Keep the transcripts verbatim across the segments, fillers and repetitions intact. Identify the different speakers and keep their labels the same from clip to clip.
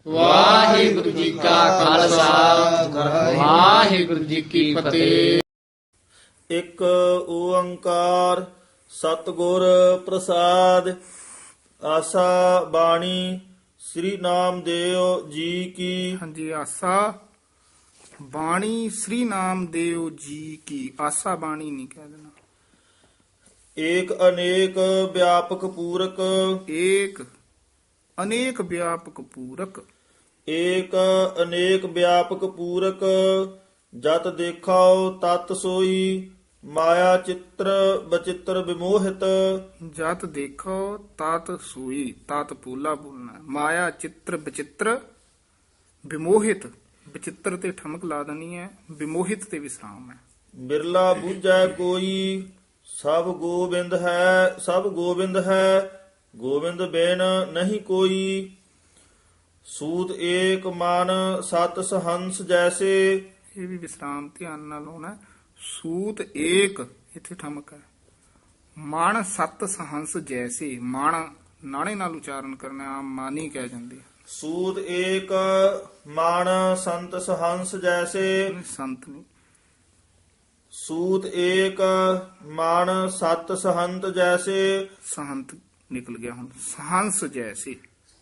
Speaker 1: ਵਾਹਿਗੁਰੂ ਜੀ ਕਾ ਖਾਲਸਾ ਵਾਹਿਗੁਰੂ ਜੀ ਕੀ ਫਤਿਹ।
Speaker 2: ਇੱਕ ਓੰਕਾਰ ਸਤਿਗੁਰ ਪ੍ਰਸਾਦ। ਆਸਾ ਬਾਣੀ ਸ੍ਰੀ ਨਾਮਦੇਵ ਜੀ ਕੀ।
Speaker 3: ਹਾਂਜੀ, ਆਸਾ ਬਾਣੀ ਸ੍ਰੀ ਨਾਮਦੇਵ ਜੀ ਕੀ। ਆਸਾ ਬਾਣੀ ਨਹੀਂ ਕਹਿ ਦੇਣਾ।
Speaker 2: ਏਕ ਅਨੇਕ ਵਿਆਪਕ ਪੂਰਕ।
Speaker 3: ਏਕ ਅਨੇਕ ਵਿਆਪਕ ਪੂਰਕ।
Speaker 2: ਏਕ ਅਨੇਕ ਵਿਆਪਕ ਪੂਰਕ। ਜਤ ਦੇਖਾਓ ਤਤ ਸੋਈ। ਮਾਇਆ ਚਿੱਤਰ ਬਚਿੱਤਰ ਵਿਮੋਹਿਤ।
Speaker 3: ਜਤ ਦੇਖੋ ਤਤ ਸੂਈ। ਤਤ ਪੂਲਾ ਬੋਲਣਾ। ਮਾਇਆ ਚਿੱਤਰ ਬਚਿੱਤਰ ਵਿਮੋਹਿਤ। ਬਚਿੱਤਰ ਤੇ ਠਮਕ ਲਾ ਦੇਣੀ ਹੈ, ਵਿਮੋਹਿਤ ਤੇ ਵਿਸਰਾਮ ਹੈ।
Speaker 2: ਬਿਰਲਾ ਬੂਝੈ ਕੋਈ। ਸਭ ਗੋਬਿੰਦ ਹੈ ਸਭ ਗੋਬਿੰਦ ਹੈ। ਗੋਬਿੰਦ ਬਿਨ ਨਹੀਂ ਕੋਈ। ਸੂਤ ਏਕ ਮਨ ਸਤ ਸਹੰਸ ਜੈਸੇ।
Speaker 3: ਇਹ ਵੀ ਵਿਸਰਾਮ ਧਿਆਨ ਨਾਲ ਹੋਣਾ। ਸੂਤ ਏਕ ਇੱਥੇ ਠਮਕ ਹੈ। ਮਨ ਸਤ ਸਹੰਸ ਜੈਸੇ। ਮਨ ਨਾਣੇ ਨਾਲ ਉਚਾਰਨ ਕਰਨਾ, ਆਮ ਮਾਨੀ ਕਹਿ ਜਾਂਦੇ ਆ।
Speaker 2: ਸੂਤ ਏਕ ਮਨ ਸੰਤ ਸਹੰਸ ਜੈਸੇ।
Speaker 3: ਸੰਤ ਨਹੀਂ।
Speaker 2: ਸੂਤ ਏਕ ਮਨ ਸਤ ਸਹੰਤ ਜੈਸੇ।
Speaker 3: ਸਹੰਤ ਨਿਕਲ ਗਿਆ ਹੁਣ। ਸਹੰਸ ਜੈਸੇ।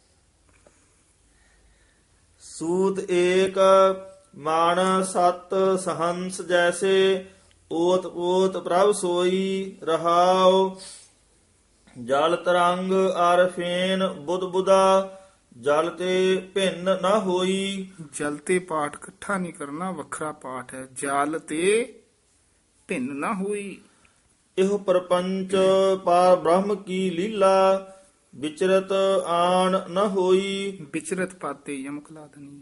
Speaker 2: ਸੂਤ ਏਕ ਮਨ ਸਤ ਸਹੰਸ ਜੈਸੇ। ਓਤ ਓਤ ਪ੍ਰਭ ਸੋਈ ਰਹਾਉ। ਜਲ ਤਰੰਗ ਅਰ ਫੇਨ ਬੁੱਧ ਬੁਦਾ। ਜਲ ਤੇ ਭਿੰਨ ਨਾ ਹੋਈ।
Speaker 3: ਜਲ ਤੇ ਪਾਠ ਇਕੱਠਾ ਨਹੀਂ ਕਰਨਾ, ਵੱਖਰਾ ਪਾਠ ਹੈ। ਜਲ ਤੇ ਭਿੰਨ ਨਾ ਹੋਈ।
Speaker 2: ਇਹੋ ਪਰਪੰਚ ਪਾਰ ਬ੍ਰਹਮ ਕੀ ਲੀਲਾ। ਵਿਚਰਤ ਆਣ ਨ ਹੋਈ।
Speaker 3: ਵਿਚਰਤ ਪਾਤੇ ਯਮਕ ਲਾ ਦੇਣੀ ਹੈ।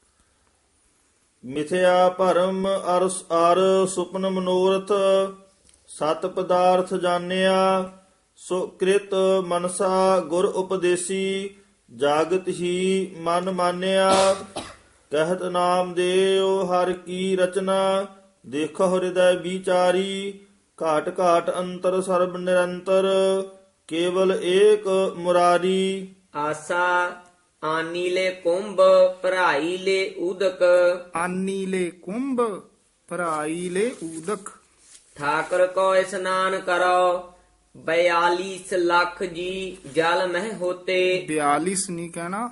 Speaker 2: ਮਿਥਿਆ ਭਰਮ ਅਰ ਅਰ ਸੁਪਨ ਮਨੋਰਥ। ਸਤ ਪਦਾਰਥ ਜਾਣਿਆ। ਸੋ ਕ੍ਰਿਤ ਮਨਸਾ ਗੁਰ ਉਪਦੇਸੀ। ਜਾਗਤ ਹੀ ਮਨ ਮਾਨਿਆ। ਕਹਿਤ ਨਾਮ ਦੇਵ ਹਰ ਕੀ ਰਚਨਾ। ਦੇਖੋ ਹਿਰਦੈ ਵਿਚਾਰੀ। ਘਾਟ ਘਾਟ ਅੰਤਰ ਸਰਬ ਨਿਰੰਤਰ। ਕੇਵਲ ਏਕ ਮੁਰਾਰੀ।
Speaker 4: ਆਸਾ ਆਨੀਲੇ ਕੁੰਭ ਭਰਾਈ ਲੈ ਉਦਕ।
Speaker 3: ਆਨੀ ਲੈ ਕੁੰਭ ਭਰਾਈ ਲੈ ਊਦਕ।
Speaker 4: ਠਾਕਰ ਕੋ ਇਸਨਾਨ ਕਰੋ। ਬਿਆਲੀਸ ਲੱਖ ਜੀ ਜਲ ਮਹਿ ਹੋਤੇ।
Speaker 3: ਬਿਆਲੀਸ ਨਹੀਂ ਕਹਿਣਾ,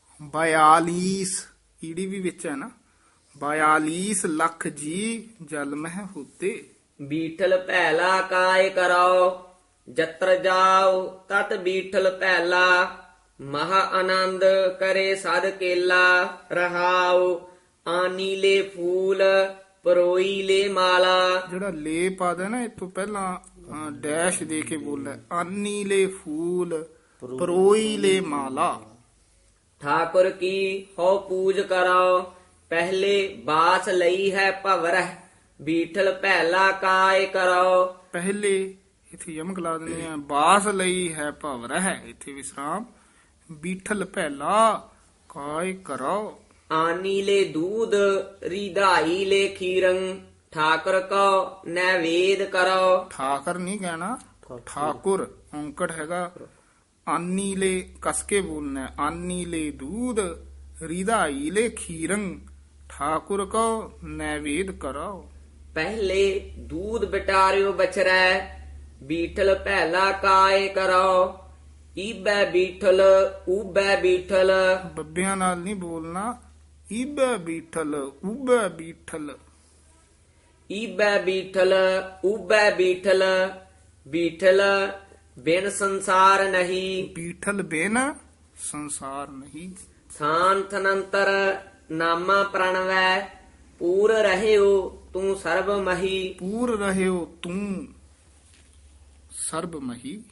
Speaker 3: ਬਿਆਲੀਸ ਈੜੀ ਵੀ ਵਿੱਚ ਹੈ ਨਾ। ਬਿਆਲੀਸ ਲੱਖ ਜੀ ਜਲ ਮਹਿ ਹੋਤੇ।
Speaker 4: ਬੀਠਲ ਪਹਿਲਾ ਕਾਇ ਕਰੋ। ਜਤਰ ਜਾਓ ਤਤ ਬੀਠਲ ਪਹਿਲਾ। ਮਹਾ ਆਨੰਦ ਕਰੇ ਸਦ ਕੇਲਾ। ਰਹਾਉ ਆਨੀ ਲੈ ਫੂਲ ਪਰੋਈ ਲੈ ਮਾਲਾ।
Speaker 3: ਜਿਹੜਾ ਲੇ ਪਾ ਦੇ ਨਾ, ਇਹ ਤੋਂ ਪਹਿਲਾਂ ਅ, ਡੈਸ਼ ਦੇ ਕੇ ਬੋਲੇ। ਆਨੀ ਲੈ ਫੂਲ ਪਰੋਈ ਲੈ ਮਾਲਾ।
Speaker 4: ਠਾਕੁਰ ਕੀ ਹੋ ਪੂਜ ਕਰੋ। ਪਹਿਲੇ ਬਾਸ ਲਈ ਹੈ ਭਵਰਹ। ਬੀਠਲ ਪਹਿਲਾ ਕਾਇ ਕਰੋ।
Speaker 3: ਪਹਿਲੇ ਇੱਥੇ ਯਮਕ ਲਾ ਦਿੰਦੇ ਆ। ਬਾਸ ਲਈ ਹੈ ਭਵ ਰਹਿ। ਇੱਥੇ ਵਿਸਰਾਮ। ਬੀਠਲ ਪਹਿਲਾ ਕਾਇ ਕਰੋ।
Speaker 4: ਆਨੀ ਲੈ ਦੂਧ ਰਿਧਾਈ ਲੈ ਖੀਰੰ। ਠਾਕੁਰ ਕੋ ਨੈਵੇਦ ਕਰੋ।
Speaker 3: ਠਾਕਰ ਨਹੀਂ ਕਹਿਣਾ, ਠਾਕੁਰ ਔਂਕੜ ਹੈਗਾ। ਆਨੀ ਲੈ ਕਸ ਕੇ ਬੋਲਣਾ। ਆਨੀ ਲੈ ਦੂਧ ਰਿਧਾਈ ਲੈ ਖੀਰੰ। ਠਾਕੁਰ ਕੋ ਨੈਵੇਦ ਕਰੋ।
Speaker 4: ਪਹਿਲੇ ਦੂਧ ਬਟਾਰਿਓ ਬਚਰੈ। ਬੀਠਲ ਪਹਿਲਾ ਕਾਇ ਕਰੋ। ਈਬੈ ਬੀਠਲ ਊਬੈ ਬੀਠਲ।
Speaker 3: ਬੱਬਿਆਂ ਨਾਲ ਨਹੀਂ ਬੋਲਣਾ। ਈਬੈ ਬੀਠਲ ਊਬੈ ਬੀਠਲ।
Speaker 4: ਈਬੈ ਬੀਠਲ ਊਬੈ ਬੀਠਲ। ਬੀਠਲ ਬਿਨ ਸੰਸਾਰ ਨਹੀਂ।
Speaker 3: ਬੀਠਲ ਬਿਨ ਸੰਸਾਰ ਨਹੀਂ।
Speaker 4: ਥਾਨ ਥਨੰਤਰ ਨਾਮਾ ਪ੍ਰਣਵੈ। ਪੂਰ ਰਹਿਓ ਤੂੰ ਸਰਬ ਮਹੀ।
Speaker 3: ਪੂਰ ਰਹਿਓ ਤੂੰ ਸਰਬ ਮਹੀ।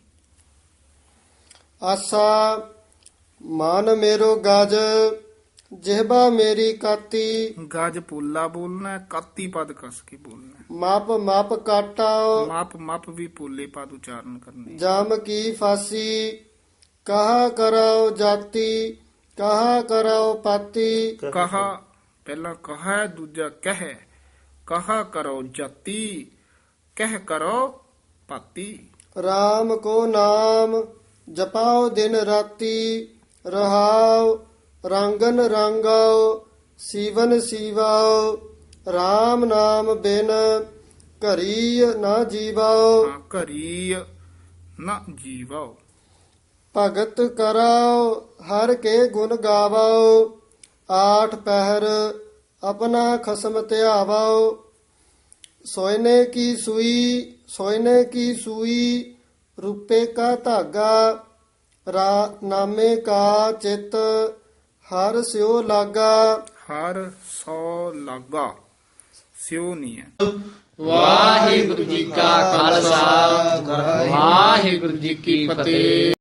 Speaker 5: ਆਸਾ ਮਨ ਮੇਰੋ ਗਜ। ਜਿਹਬਾ ਮੇਰੀ ਕਾਤੀ।
Speaker 3: ਗਜ ਪੋਲਾ ਬੋਲਣਾ ਹੈ, ਕਾਤੀ ਪਦ ਕਸ ਕੇ ਬੋਲਣਾ ਹੈ।
Speaker 5: ਮਾਪ ਮਾਪ ਕਾਟਾ।
Speaker 3: ਮਾਪ ਮਾਪ ਵੀ ਪੋਲੇ ਪਦ ਉਚਾਰਨ ਕਰਨੇ।
Speaker 5: ਜਮ ਕੀ ਫਾਸੀ। ਕਹਾ ਕਰੋ ਜਾਤੀ। ਕਹਾ ਕਰੋ ਪਾਤੀ।
Speaker 3: ਕਹਾ ਪਹਿਲਾ ਕਹਾ ਹੈ, ਦੂਜਾ ਕਹਿ। ਕਹਾ ਕਰੋ ਜਾਤੀ। ਕਹਿ ਕਰੋ ਪਾਤੀ।
Speaker 5: RAM ਕੋ ਨਾਮ ਜਪਾਓ ਦਿਨ ਰਾਤੀ। ਰਹਾਉ ਰੰਗਨ ਰੰਗਾਓ ਸੀਵਨ ਸੀਵਾਓ RAM ਨਾਮ ਬਿਨ ਘਰੀ ਨਾ ਜੀਵਾਓ
Speaker 3: ਹਾਂ, ਘਰੀ ਨਾ ਜੀਵਾਓ।
Speaker 5: ਭਗਤ ਕਰਾਓ ਹਰ ਕੇ ਗੁਣ ਗਾਵਾਓ ਆਠ ਪਹਿਰ ਆਪਣਾ ਖਸਮ ਧਿਆਵਾਓ ਸੋਇਨੇ ਕੀ ਸੂਈ ਸੋਇਨੇ ਕੀ ਸੂਈ ਰੂਪੇ ਕਾ ਧਾਗਾ ਰਾ ਨਾਮੇ ਕਾ ਚਿਤ ਹਰ ਸਿਓ ਲਾਗਾ
Speaker 3: ਹਰ ਸੋ ਲਾਗਾ, ਸਿਓ ਨਹੀਂ ਹੈ।
Speaker 1: ਵਾਹਿਗੁਰੂ ਜੀ ਕਾ ਖਾਲਸਾ ਵਾਹਿਗੁਰੂ ਜੀ ਕੀ ਫਤਿਹ।